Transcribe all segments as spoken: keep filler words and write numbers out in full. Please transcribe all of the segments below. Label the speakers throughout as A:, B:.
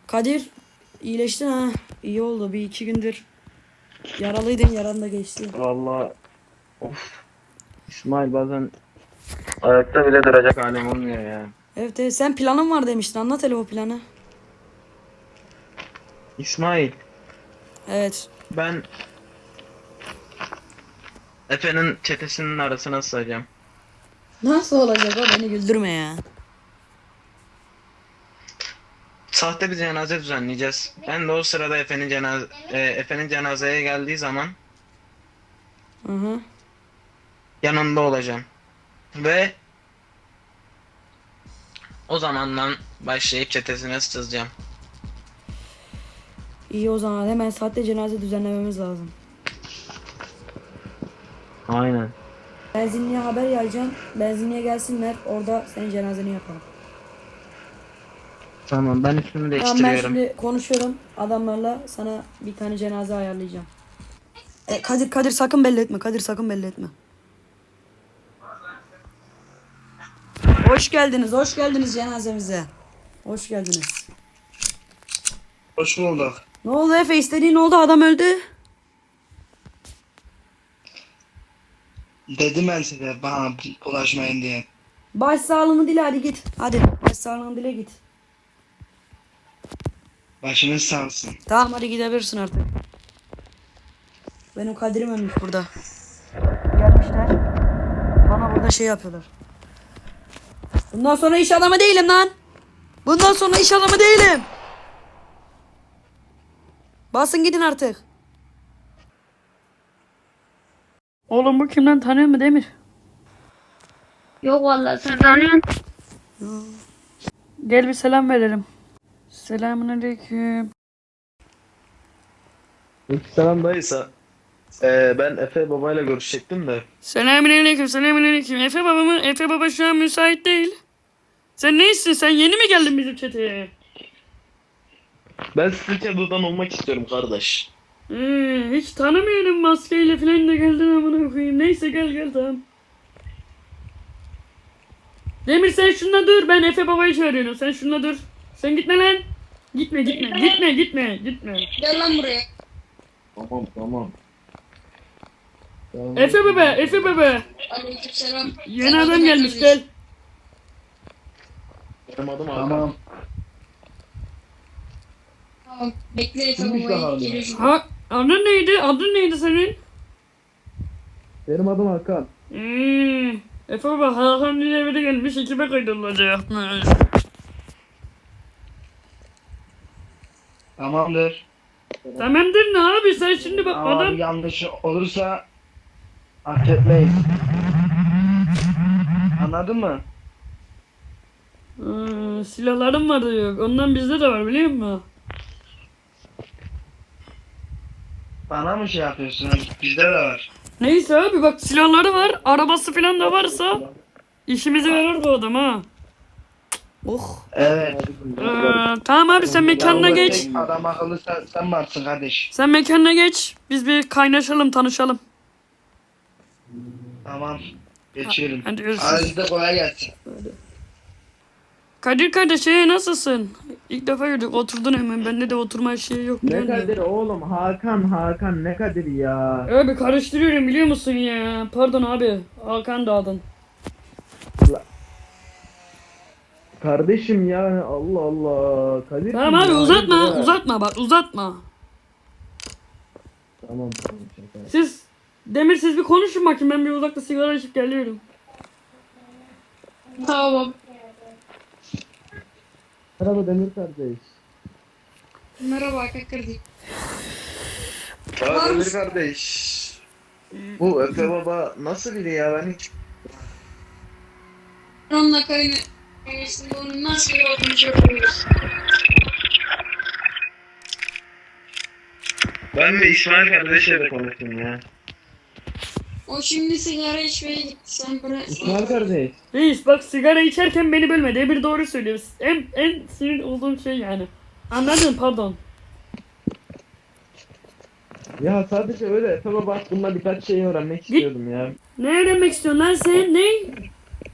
A: Kadir iyileştin ha. İyi oldu. Bir iki gündür yaralıydın. Yaran da geçti.
B: Vallahi of. İsmail bazen ayakta bile duracak halim olmuyor ya.
A: Evet, evet. Sen planın var demiştin. Anlat hele o planı.
B: İsmail,
A: Evet.
B: ben Efe'nin çetesinin arasına sığacağım.
A: Nasıl olacak o? Beni güldürme ya.
B: Sahte bir cenaze düzenleyeceğiz. Ben de o sırada Efe'nin cenaze e, Efe'nin cenazeye geldiği zaman
A: Hı hı.
B: yanında olacağım. Ve o zamandan başlayıp çetesine sızacağım.
A: İyi o zaman. Hemen saatte cenaze düzenlememiz lazım.
B: Aynen.
A: Benzinliğe haber yayacaksın. Benzinliğe gelsinler. Orada senin cenazeni yapalım.
B: Tamam, ben üstümü
A: Tamam, ben
B: değiştiriyorum.
A: şimdi konuşuyorum adamlarla. Sana bir tane cenaze ayarlayacağım. E, Kadir Kadir sakın belli etme. Kadir sakın belli etme. Hoş geldiniz. Hoş geldiniz cenazemize. Hoş geldiniz.
C: Hoş bulduk.
A: Ne oldu Efe? İstediğin oldu. Adam öldü.
C: Dedim ben size bana bulaşmayın diye.
A: Baş sağlığını dile, hadi git. Hadi baş sağlığını dile git.
C: Başınız sağ olsun.
A: Tamam hadi gidebilirsin artık. Benim Kadir'im ölmüş burada. Gelmişler. Bana burada şey yapıyorlar. Bundan sonra iş adamı değilim lan. Bundan sonra iş adamı değilim. Basın gidin artık. Oğlum bu kimden, tanıyor mu Demir?
D: Yok vallahi sen tanıyorsun.
A: Gel bir selam verelim. Selamünaleyküm.
B: Selam dayısa. Ee, ben Efe babayla görüşecektim de.
A: Selamünaleyküm, selamünaleyküm. Efe baba mı? Efe baba şu an müsait değil. Sen neysin? Sen yeni mi geldin bizim çeteye?
B: Ben sizin çadırdan olmak istiyorum kardeş.
A: Ee, hiç tanımıyorum, maskeyle falan da geldin amına koyayım. Neyse gel gel tamam. Demir sen şununla dur, ben Efe babayı çağırıyorum. Sen şununla dur. Sen gitme lan. Gitme gitme gitme gitme gitme.
D: Gel lan buraya.
B: Tamam tamam.
A: Efe baba, Efe baba.
D: Aleykümselam.
A: Yeni adam gelmiş, gel.
B: Benim adım Hakan.
C: Tamam.
D: Tamam. Bekle Efe
C: Kimmiş
D: babayı.
C: bakalım?
D: Geliyor şimdi.
A: Ha, adın neydi? Adın neydi senin?
B: Benim adım Hakan.
A: Hmm. Efe baba Hakan diye biri gelmiş, ekibe kaydolacak.
C: Tamamdır.
A: Tamamdır ne abi, sen şimdi bak
C: Ama
A: adam.
C: bir yanlış olursa affetmeyiz. Anladın mı?
A: Ee, silahlarım var da yok. Ondan bizde de var biliyor musun?
C: Bana mı şey yapıyorsun? Bizde de var.
A: Neyse abi bak, silahları var. Arabası falan da varsa işimize yarar bu adam ha. Oh.
C: Evet.
A: Ee, tamam abi sen mekanına
C: Yalnız
A: geç.
C: tek adam akıllı sen, sen varsın kardeş.
A: Sen mekanına geç. Biz bir kaynaşalım, tanışalım.
C: Tamam. Geçiyorum.
A: Hadi görüşürüz.
C: Aranızda kolay gelsin.
A: Kadir kardeş ee, nasılsın? İlk defa gördük, oturdun hemen. Bende de oturma şeyi yok.
B: Ne
A: biliyor musun?
B: Kadir oğlum? Hakan Hakan ne Kadir ya?
A: Abi karıştırıyorum biliyor musun ya? Pardon abi. Hakan da adın.
B: Kardeşim ya Allah Allah. Kadir
A: Tamam
B: kim
A: abi
B: ya?
A: uzatma,
B: Hayırdır ha?
A: uzatma bak, uzatma.
B: Tamam tamam şaka.
A: Siz Demir siz bir konuşun bakayım, ben bir uzakta sigara içip geliyorum.
D: Tamam.
B: Merhaba Demir kardeş.
D: Merhaba Kakırdı.
B: Ya Demir kardeş. Bu Efe baba nasıl biri ya, ben hiç...
D: Onunla kayını. Kayısında onun nasıl bir olduğunu çok biliyoruz.
B: Ben de İsmail kardeşle de konuştum ya.
D: O şimdi sigara içmeye gitti. Sen bırak.
B: İsmail kardeş.
A: Reis bak, sigara içerken beni bölme. Demir doğru söylüyor. En, en sinir olduğum şey yani. Anladın, pardon.
B: Ya sadece öyle Efe baba hakkında birkaç şey öğrenmek
A: Git.
B: istiyordum ya.
A: Ne öğrenmek istiyorsun lan sen? Ne?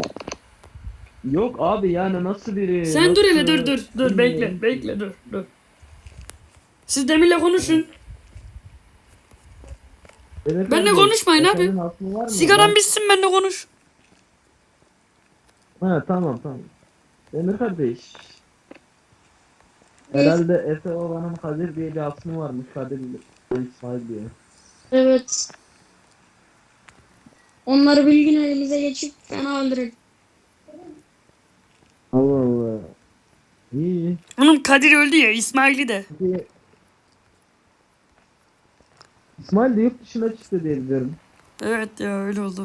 B: Yok abi yani nasıl biri?
A: Sen dur hele,
B: nasıl-
A: dur dur dur
B: Bilmiyorum
A: bekle
B: ki.
A: bekle dur dur. Siz Demir'le konuşun.
E: Evet,
A: Benle
E: abi.
A: konuşmayın abi.
E: Efendim, aklın var mı?
A: Sigaran bitsin benle konuş.
E: Ha, tamam tamam. Demir kardeş. Herhalde Efe Baba'nın Kadir diye bir asmı varmış. Kadir İsmail diye.
D: Evet. Onları bir gün elimize geçip fena öldürelim.
E: Allah Allah. İyi.
A: Oğlum Kadir öldü ya, İsmail'i de.
E: Peki... İsmail de yurt dışına çıktı diye biliyorum.
A: Evet ya, öyle oldu.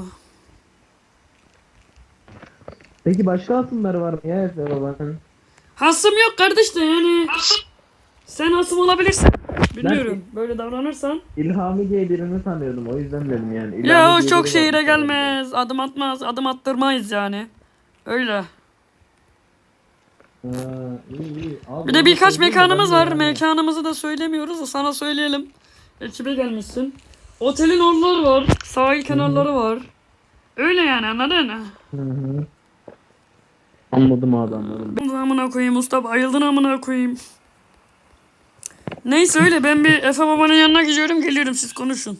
E: Peki başka asımları var mı ya Efe Baba'nın?
A: Hasım yok kardeş de yani. Sen hasım olabilirsin. Bilmiyorum. Böyle davranırsan.
E: İlhami diye birini tanıyordum, o yüzden dedim yani. İlhami
A: Ya o
E: diye
A: çok
E: biri
A: şehire
E: varmış herhalde.
A: gelmez. Adım atmaz. Adım attırmayız yani. Öyle.
E: Ha, iyi iyi. Abi,
A: Bir de
E: onu
A: birkaç
E: söyleyeyim de
A: mekanımız
E: ben de
A: var.
E: yani-
A: Mekanımızı da söylemiyoruz da sana söyleyelim. Ekibe gelmişsin. Otelin oraları var. Sahil kenarları var. Öyle yani, anladın mı?
E: Hı hı. Anladım abi, anladım.
A: Amına koyayım usta, bayıldın amına koyayım. Neyse öyle, ben bir Efe babanın yanına gidiyorum, geliyorum, siz konuşun.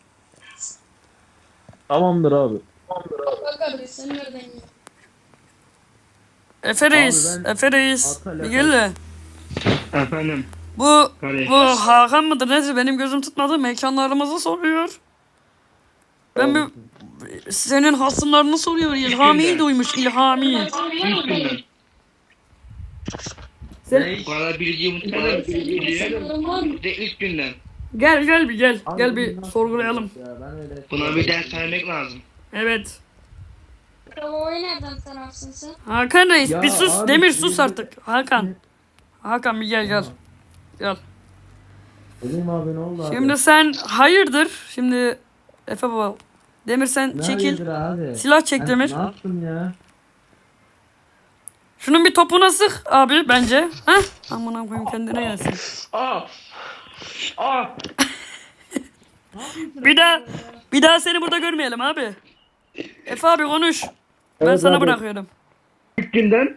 E: Tamamdır abi.
D: Bak kardeş sen nereden ya?
A: Efe reis,
E: ben-
A: Efe reis.
E: Atal,
A: Bir gel de.
C: Efendim.
A: Bu,
C: Kardeş.
A: bu Hakan mıdır neyse, benim gözüm tutmadı, mekanlarımızı soruyor. Ben bir senin hasımlarını soruyor. İlhami'yi duymuş, İlhami.
C: İlk günden.
A: Sen,
C: Bu kadar bilgiyi unutmadım. Biliyor.
D: Sanırım var mı?
C: Bir de ilk günden.
A: gel gel bir gel,
E: Abi
A: gel
E: bu
A: bir
E: nasıl
A: sorgulayalım.
E: ya, ben öyle-
C: Buna bir ders vermek lazım.
A: Evet.
D: Babayı nereden sanarsın sen?
A: Hakan reis
E: Ya
A: bir sus,
E: abi,
A: Demir
E: şimdi-
A: sus artık. Hakan. Hakan bir gel gel. Gel.
E: Dedim abi, ne oldu abi?
A: Şimdi sen hayırdır? Şimdi Efe baba. Demir sen
E: Ne
A: çekil.
E: hayırdır abi?
A: Silah çek
E: Ben
A: Demir.
E: Ne yaptım ya?
A: Şunun bir topuna sık abi bence. Heh. Amına koyayım, kendine gelsin.
C: Aa! Aa!
A: Bir daha bir daha seni burada görmeyelim abi. Efe abi konuş. Ben
E: Evet
A: sana
E: abi.
A: bırakıyorum.
C: İlk günden.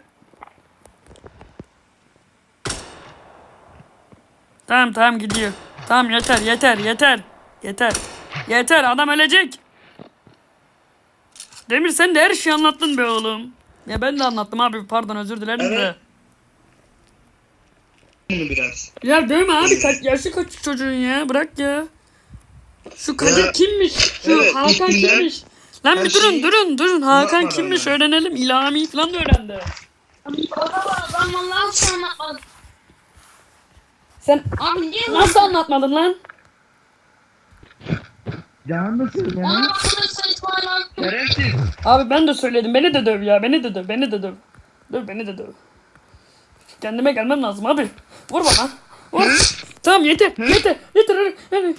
A: Tamam tamam gidiyor. Tamam yeter yeter yeter. Yeter. Yeter, adam ölecek. Demir sen de her şeyi anlattın be oğlum. Ya ben de anlattım abi, pardon, özür dilerim de.
C: Evet. Bunu biraz.
A: Ya dövme abi, kaç yaşı kaç çocuğun ya, bırak ya. Şu Kadir
C: Ya,
A: kimmiş? Şu
C: evet,
A: Hakan
C: üstünden
A: kimmiş? Lan
C: her
A: bir durun
C: şeyi
A: durun durun, Hakan
C: anlatmadan
A: kimmiş
C: yani.
A: öğrenelim. İlhami falan da öğrendi.
D: Baba ben vallahi hiç anlatmadım.
A: Sen
D: Abi niye
A: nasıl anlatmadın lan?
E: Canım da söyle ya.
D: Bana bakıyorsun İsmail abi.
C: Şerefsiz.
A: Abi ben de söyledim, beni de döv ya, beni de döv, beni de döv. Döv, beni de döv. Kendime gelmem lazım abi. Vur bana. Vur. Tamam yeter yeter yeter hadi, hadi.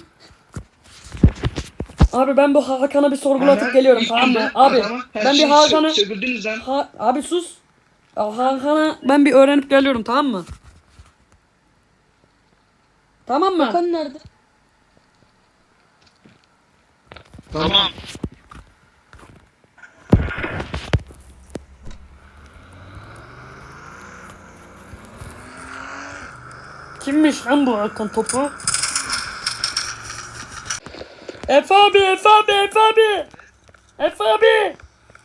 A: Abi ben bu Hakan'ı bir sorgulatıp
C: Hemen
A: geliyorum,
C: ilk
A: tamam mı?
C: günden
A: Abi
C: adama her
A: ben bir
C: şeyi
A: Hakan'ı
C: sö- söküldünüz lan.
A: Ha, abi sus. Ya Hakan'a ben bir öğrenip geliyorum, tamam mı? Tamam mı?
D: Hakan nerede?
C: Tamam.
A: Kimmiş lan bu Hakan topu? Efe abi, Efe abi, Efe abi. Efe abi.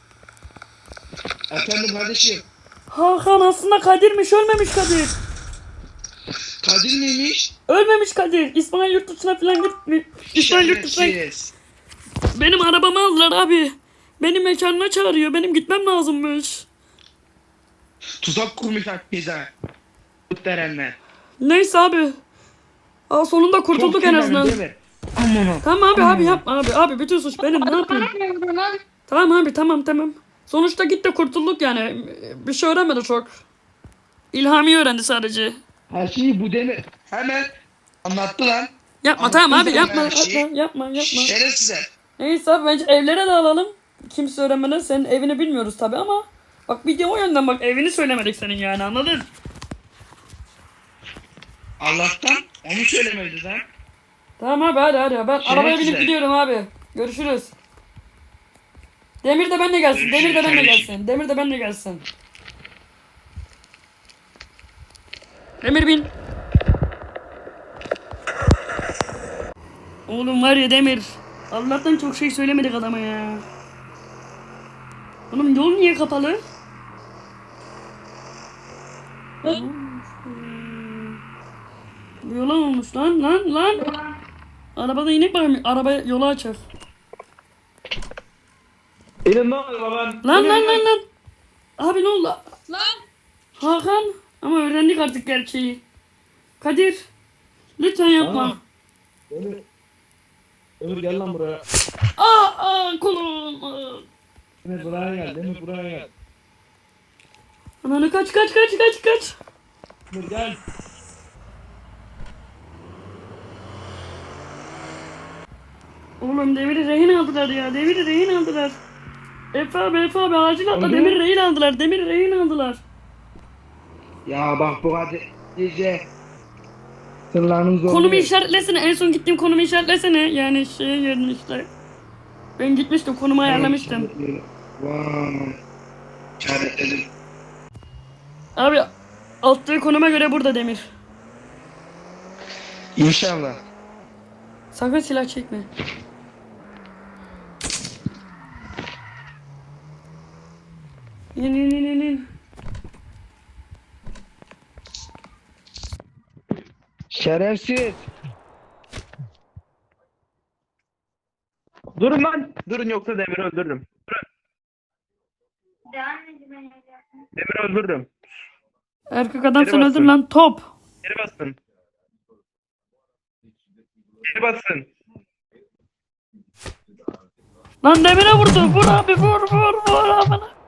C: Efendim kardeşim.
A: Hakan aslında Kadir'miş, ölmemiş Kadir.
C: Kadir miymiş?
A: Ölmemiş Kadir. İsmail yurt dışına falan gitmiş. İsmail yurt dışına...
C: Şerefsiz.
A: Benim arabamı aldılar abi. Beni mekanına çağırıyor. Benim gitmem lazımmış.
C: Tuzak kurmuşlar bize. Muhterenler.
A: Neyse abi. Aa, sonunda kurtulduk en azından.
C: Aman
A: Tamam abi abi yapma abi. Abi bütün suç benim, ne yapayım?
D: Ne vuruyorsun lan?
A: Tamam abi, tamam tamam. Sonuçta gitti, kurtulduk yani. Bir şey öğrenmedi çok. İlhami öğrendi sadece.
C: Her şeyi bu demir. Hemen anlattı lan.
A: Yapma
C: Anlattın
A: tamam abi,
C: sen
A: yapma
C: her şeyi.
A: yapma yapma yapma.
C: Şerefsize.
A: Neyse abi, bence evlere de alalım. Kimse öğrenmeden, senin evini bilmiyoruz tabi ama. Bak video o yönden, bak evini söylemedik senin yani, anladın?
C: Allah'tan onu söylemedi lan.
A: Tamam abi hadi hadi. Ben
C: Şey
A: arabaya binip
C: güzel.
A: gidiyorum abi. Görüşürüz. Demir de benimle gelsin.
C: Görüşürüz
A: Demir de benimle
C: kardeşim.
A: gelsin. Demir de benimle gelsin. Demir bin. Oğlum var ya Demir. Allah'tan çok şey söylemedik adama ya. Oğlum yol niye kapalı? Ne olmuş bu? Bu yola olmuş lan lan lan. Arabada inek var mı? Araba yola açar.
E: İnin ne oluyor lan?
A: Lan lan lan lan. Abi ne oldu?
D: Lan.
A: Hakan. Ama öğrendik artık gerçeği. Kadir. Lütfen yapma.
E: Aa. Ömür. Ömür gel lan buraya.
A: Aa, aa kolum. Aa.
E: Demir buraya gel. Demir buraya gel.
A: Ananı kaç kaç kaç kaç kaç.
E: Demir gel.
A: Oğlum Demir'i rehin aldılar ya. Demir'i rehin aldılar. Efe abi Efe abi acil atla.
E: Oldu.
A: Demir'i rehin aldılar. Demir'i rehin aldılar.
C: Ya bak bu kadar iyice sırlarını zorluyor.
A: Konumu işaretlesene. En son gittiğim konumu işaretlesene. Yani şeye yerin işte. Ben gitmiştim. Konumu ayarlamıştım.
C: Vay. İşaretledim.
A: Abi attığı konuma göre burada Demir.
C: İnşallah.
A: Sakın silah çekme. İn in in in in.
C: Şerefsiz.
E: Durun lan. Durun yoksa Demir'i öldürürüm. Durun. Demir'i öldürürüm.
A: Erkek adam sen
E: Geri
A: öldür
E: basın.
A: lan top.
E: Geri basın. Geri basın.
A: Lan Demir'e vurdu. Vur abi vur vur vur abi.